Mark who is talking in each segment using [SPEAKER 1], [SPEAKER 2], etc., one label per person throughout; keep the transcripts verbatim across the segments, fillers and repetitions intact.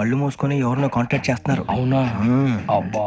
[SPEAKER 1] కళ్ళు మూసుకొని ఎవరినో కాంటాక్ట్ చేస్తున్నారు.
[SPEAKER 2] అవునా? అబ్బా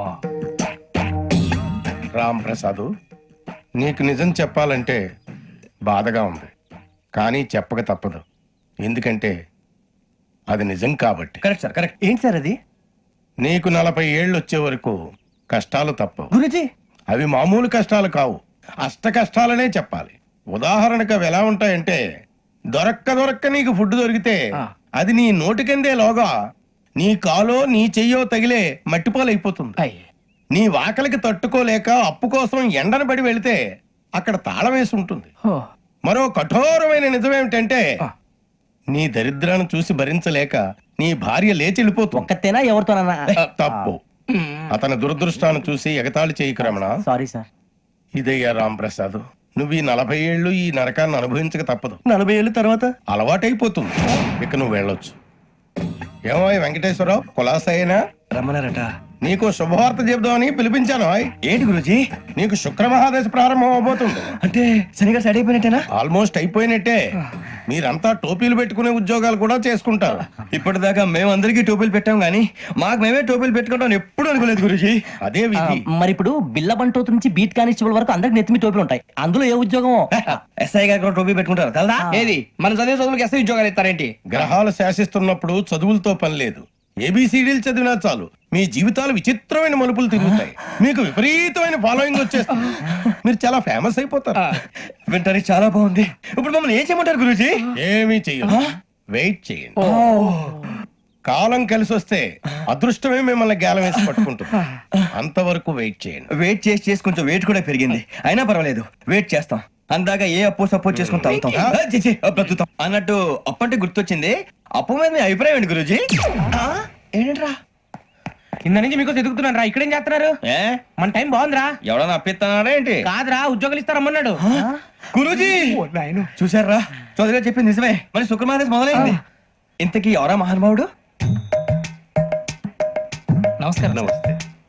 [SPEAKER 3] రామ్ ప్రసాద్, నీకు నిజం చెప్పాలంటే బాధగా ఉంది, కానీ చెప్పక తప్పదు. ఎందుకంటే అది నిజం కాబట్టి.
[SPEAKER 1] Correct sir, correct. ఏంటి సార్ అది?
[SPEAKER 3] నీకు నలభై ఏళ్ళు వచ్చే వరకు కష్టాలు తప్పవు
[SPEAKER 1] గురుజీ.
[SPEAKER 3] అవి మామూలు కష్టాలు కావు, అష్ట కష్టాలనే చెప్పాలి. ఉదాహరణకు అవి ఎలా ఉంటాయంటే, దొరక్క దొరక్క నీకు ఫుడ్ దొరికితే అది నీ నోటికందే లోగా నీ కాలో నీ చెయ్యో తగిలే మట్టిపాలైపోతుంది. నీ వాకలికి తట్టుకోలేక అప్పు కోసం ఎండను పడి వెళితే అక్కడ తాళం వేసి ఉంటుంది. మరో కఠోరమైన నిజమేమిటంటే, నీ దరిద్రాన్ని చూసి భరించలేక నీ భార్య లేచి వెళ్ళిపోతుంది.
[SPEAKER 1] ఒక్కతేనా ఎవరితోనన్నా?
[SPEAKER 3] తప్పు. అతని దురదృష్టాన్ని చూసి ఎగతాళి చేయకు రమణ.
[SPEAKER 1] Sorry sir.
[SPEAKER 3] ఇదయ్యా రాంప్రసాద్, నువ్వు ఈ నలభై ఏళ్ళు ఈ నరకాన్ని అనుభవించక తప్పదు.
[SPEAKER 1] నలభై ఏళ్ళ తర్వాత
[SPEAKER 3] అలవాటైపోతుంది, ఇక నువ్వు వెళ్ళొచ్చు. ఏమో వెంకటేశ్వరరావు, కులాసైనా
[SPEAKER 1] రమ్మన్నారట.
[SPEAKER 3] నీకు శుభవార్త చెబుదామని పిలిపించాను.
[SPEAKER 1] ఏంటి గురుజీ?
[SPEAKER 3] నీకు శుక్ర మహాదశ ప్రారంభం అవబోతుంది.
[SPEAKER 1] అంటే శనిగా సెట్ అయిపోయినట్టేనా?
[SPEAKER 3] ఆల్మోస్ట్ అయిపోయినట్టే. మీరంతా టోపీలు పెట్టుకునే ఉద్యోగాలు కూడా చేసుకుంటారు.
[SPEAKER 1] ఇప్పటిదాకా మేమందరికీ టోపీలు పెట్టాం గానీ మాకు మేమే టోపీలు పెట్టుకుంటాం ఎప్పుడు అనుకోలేదు గురుజీ.
[SPEAKER 3] అదే విధి.
[SPEAKER 4] మరి ఇప్పుడు బిల్ల బంటోతు నుంచి బీట్ కానిస్టేబుల్ వరకు అందరికి నెత్తిమి టోపీలు ఉంటాయి. అందులో ఏ ఉద్యోగం?
[SPEAKER 1] ఎస్ఐ గారు కూడా టోపీ పెట్టుకుంటారు తెలదా?
[SPEAKER 2] ఏది మన చదివే చదువులకు ఎస్ఐ ఉద్యోగాలు ఇస్తారేంటి?
[SPEAKER 3] గ్రహాలు శాసిస్తున్నప్పుడు చదువులతో పని లేదు. ఏబిసిడీలు చదివినా చాలు మీ జీవితాలు విచిత్రమైన మలుపులు తిరుగుతాయి. మీకు విపరీతమైన ఫాలోయింగ్ వచ్చేస్తుంది. మీరు చాలా ఫేమస్ అయిపోతారు.
[SPEAKER 1] వింటానికి చాలా బాగుంది. ఇప్పుడు మమ్మల్ని ఏం చేయమంటారు గురుజీ?
[SPEAKER 3] ఏమీ చెయ్యదు, వెయిట్ చేయండి. కాలం కలిసి వస్తే అదృష్టమే మిమ్మల్ని గేలం వేసి పట్టుకుంటుంది. అంతవరకు వెయిట్ చేయండి.
[SPEAKER 1] వెయిట్ చేసి చేసి కొంచెం వెయిట్ కూడా పెరిగింది. అయినా పర్వాలేదు, వెయిట్ చేస్తాం. అందాక ఏ అప్పు సపోర్ట్ చేసుకుని తాగుతాం, బ్రతుకుతాం అన్నట్టు. అప్పు అంటే గుర్తొచ్చింది, అప్పు మీద మీ అభిప్రాయం ఏంటి గురుజీ? ఏంటరా
[SPEAKER 2] కింద నుంచి మీకు ఎదుగుతున్నాను రా. ఇక్కడేం చేస్తున్నారు?
[SPEAKER 1] ఏ
[SPEAKER 2] మన టైం బాగుందిరా.
[SPEAKER 1] ఎవడన్నా అప్పిస్తున్నాడా ఏంటి?
[SPEAKER 2] కాదురా, ఉద్యోగాలు ఇస్తారమ్మన్నాడు.
[SPEAKER 1] గురూజీ చూసారా, చౌదరి గారు చెప్పింది నిజమే. మరి శుక్రమాదేశ్ మొదలైంది. ఇంతకీ ఎవరా మహానుభావుడు?
[SPEAKER 2] నమస్కారం.
[SPEAKER 3] నమస్తే.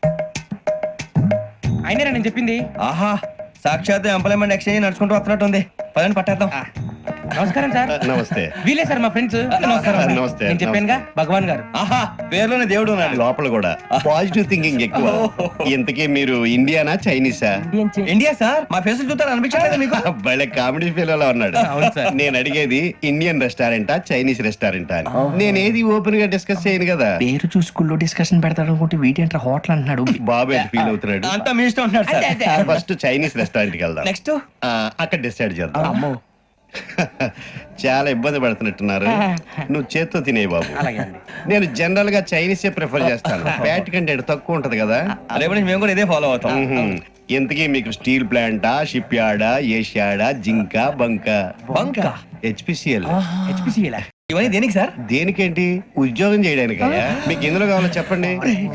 [SPEAKER 2] అయినరా నేను చెప్పింది?
[SPEAKER 1] ఆహా, సాక్షాత్ ఎంప్లాయ్మెంట్ ఎక్స్చేంజ్ నడుచుకుంటూ వస్తున్నట్టు ఉంది. పదండి పట్టేద్దాం.
[SPEAKER 2] నమస్కారం సార్.
[SPEAKER 3] నమస్తే.
[SPEAKER 2] వీలే సార్ మా ఫ్రెండ్స్. నమస్కారం.
[SPEAKER 3] నమస్తే.
[SPEAKER 2] నేను చెప్పానుగా భగవాన్ గారు.
[SPEAKER 1] ఆహా, పేర్లోనే దేవుడు ఉన్నాడు.
[SPEAKER 5] లోపల కూడా పాజిటివ్ థింకింగ్ ఎక్కువ. ఇంతకీ మీరు ఇండియానా చైనీసా?
[SPEAKER 1] India sir. మా ఫేస్ చూస్తారు అనిపించలేదు మీకు?
[SPEAKER 5] భలే కామెడీ ఫీల్ అలా ఉన్నాడు. నేను అడిగేది ఇండియన్ రెస్టారెంటా చైనీస్ రెస్టారెంటా అని. నేను ఏది ఓపెన్ గా డిస్కస్ చేయను కదా.
[SPEAKER 4] పేరు చూసుకుల్లో డిస్కషన్ పెడతాడు అనుకుంటే వీటేంట్రా హోటల్ అంటున్నాడు.
[SPEAKER 5] బాబు ఎట్ ఫీల్ అవుతున్నాడు.
[SPEAKER 1] అంతా మీ ఇష్టం ఉంటున్నాడు సార్.
[SPEAKER 5] ఫస్ట్ చైనీస్ రెస్టారెంట్ కి వెళ్దాం.
[SPEAKER 1] నెక్స్ట్
[SPEAKER 5] ఆ, అక్కడ డిసైడ్ చేద్దాం. చాలా ఇబ్బంది పడుతున్నట్టున్నారు. నువ్వు చేత్తో తినే బాబు. నేను జనరల్ గా చైనీసే ప్రిఫర్ చేస్తాను. ఫ్యాట్ కంటెంట్ తక్కువ ఉంటది కదా.
[SPEAKER 1] రేపు నుంచి మేము కూడా ఇదే ఫాలో అవుతాం.
[SPEAKER 5] ఇంతకీ మీకు స్టీల్ ప్లాంటా, షిప్ యార్డా, ఏషియాడా, జింక, బంక?
[SPEAKER 1] బంక,
[SPEAKER 5] హెచ్పిసిఎల్.
[SPEAKER 2] హెచ్పిసిఎల్
[SPEAKER 1] ఇవన్నీ దేనికి సార్?
[SPEAKER 5] దేనికేంటి? ఉద్యోగం చేయడానికి. మీకు ఎందులో కావాలో చెప్పండి.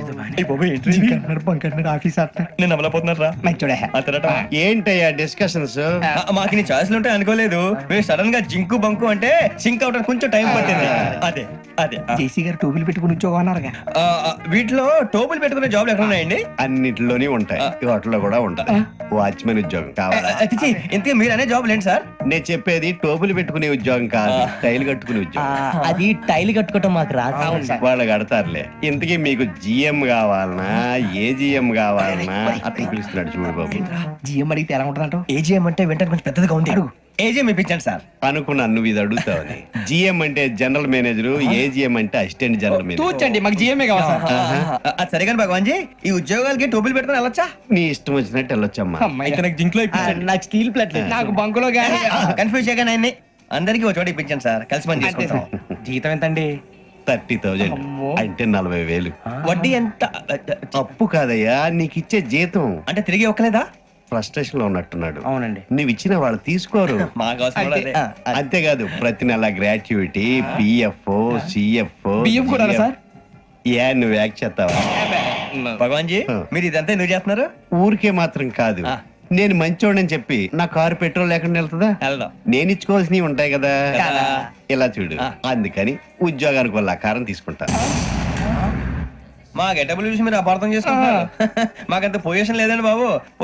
[SPEAKER 1] నేను అమలపోతున్నారా?
[SPEAKER 5] ఏంటయ్యా డిస్కషన్స్?
[SPEAKER 1] మాకు నీ ఛాయిస్లు ఉంటాయి అనుకోలేదు. మీరు సడన్ గా జింకు బంకు అంటే సింక్ అవడానికి కొంచెం టైం పట్టింది. అదే అదే
[SPEAKER 4] జేసీ గారు టోపీలు పెట్టుకుని ఉద్యోగం అన్నారుగా.
[SPEAKER 1] ఆ, ఆ, వీటిలో టోపులు పెట్టుకునే జాబ్లు ఎక్కడ ఉన్నాయండి?
[SPEAKER 5] అన్నిటిలోనే ఉంటాయి, వాటిలో కూడా ఉంటాయి. వాచ్మెన్ ఉద్యోగం కావాలా?
[SPEAKER 1] అతిచి ఇంతకీ మీరు అనే జాబ్ ఏంటి సార్?
[SPEAKER 5] నేను చెప్పేది టోపులు పెట్టుకునే ఉద్యోగం కాదు, టైల్ కట్టుకునే ఉద్యోగం.
[SPEAKER 4] అది టైల్ కట్టుకోవటం మాకు రాదు.
[SPEAKER 5] వాళ్ళు కడతారులే. ఇంతకీ మీకు జిఎం కావాలనా, ఏ జిఎం కావాలనా? అట్లా పిలుస్తున్నాడు చూడు బాబు.
[SPEAKER 4] జిఎం అడిగితే ఎలా ఉంటుందంట?
[SPEAKER 1] ఏజీఎం అంటే వెంటనే కొంచెం పెద్దదిగా ఉంది. ఏజీఎం ఇప్పించండి సార్.
[SPEAKER 5] అనుకున్నాను నువ్వు ఇది అడుగుతావని. జిఎం అంటే జనరల్ మేనేజర్, ఏజిఎం అంటే అసిస్టెంట్ జనరల్ మేనేజర్.
[SPEAKER 2] తూచండి, మాకు జిఎంఏ కావాలి సార్.
[SPEAKER 1] అది సరే కానీ భగవాన్ జీ, ఈ ఉద్యోగాలకి టోపులు పెట్టుకుని వెళ్ళొచ్చా?
[SPEAKER 5] నీ ఇష్టం వచ్చినట్టు వెళ్ళొచ్చమ్మా.
[SPEAKER 2] అయితే నాకు జింక్ లో
[SPEAKER 4] నాకు స్టీల్ ప్లేట్
[SPEAKER 2] నాకు బంకులో గానీ.
[SPEAKER 1] కన్ఫ్యూజ్ చేయగానే ఆయన్ని అందరికీ ఒక చోట ఇప్పించండి సార్. కలిసి పని చేసుకుంటాం.
[SPEAKER 2] జీతం ఎంతండి?
[SPEAKER 5] థర్టీ థౌజండ్ అంటే నలభై వేలు.
[SPEAKER 1] వడ్డీ ఎంత?
[SPEAKER 5] అప్పు కాదయ్యా, నీకు ఇచ్చే జీతం.
[SPEAKER 1] అంటే తిరిగి ఒక్కలేదా?
[SPEAKER 5] ఫ్రస్ట్రేషన్ లో ఉన్నట్టున్నాడు.
[SPEAKER 2] అవునండి.
[SPEAKER 5] నువ్వు ఇచ్చిన వాళ్ళు తీసుకోరు.
[SPEAKER 1] మాకు అవసరం కూడా అదే.
[SPEAKER 5] అంతేకాదు ప్రతి నెల గ్రాట్యుటీ, పిఎఫ్, సిఎఫ్.
[SPEAKER 2] బియ్యం కూడా సార్?
[SPEAKER 5] ఏ నువ్వు యాక్ చేస్తావా?
[SPEAKER 1] భగవాన్ జీ, మీరు ఇదంతా ఎందుకు చేస్తున్నారు?
[SPEAKER 5] ఊరికే మాత్రం కాదు, నేను మంచోడని చెప్పి నా కారు పెట్రోల్ లేకుండా వెళ్తుందా?
[SPEAKER 1] వెళ్దాం.
[SPEAKER 5] నేను ఇచ్చుకోవాల్సినవి ఉంటాయి కదా.
[SPEAKER 1] కదా.
[SPEAKER 5] ఇలా చూడు, అందుకని ఉద్యోగానికి వాళ్ళ ఆకారం తీసుకుంటా.
[SPEAKER 1] మా గెటబుల్ చూసి మీరు అపార్థం చేసుకుంటున్నారు. మాకంత పొజిషన్ లేదండి బాబు.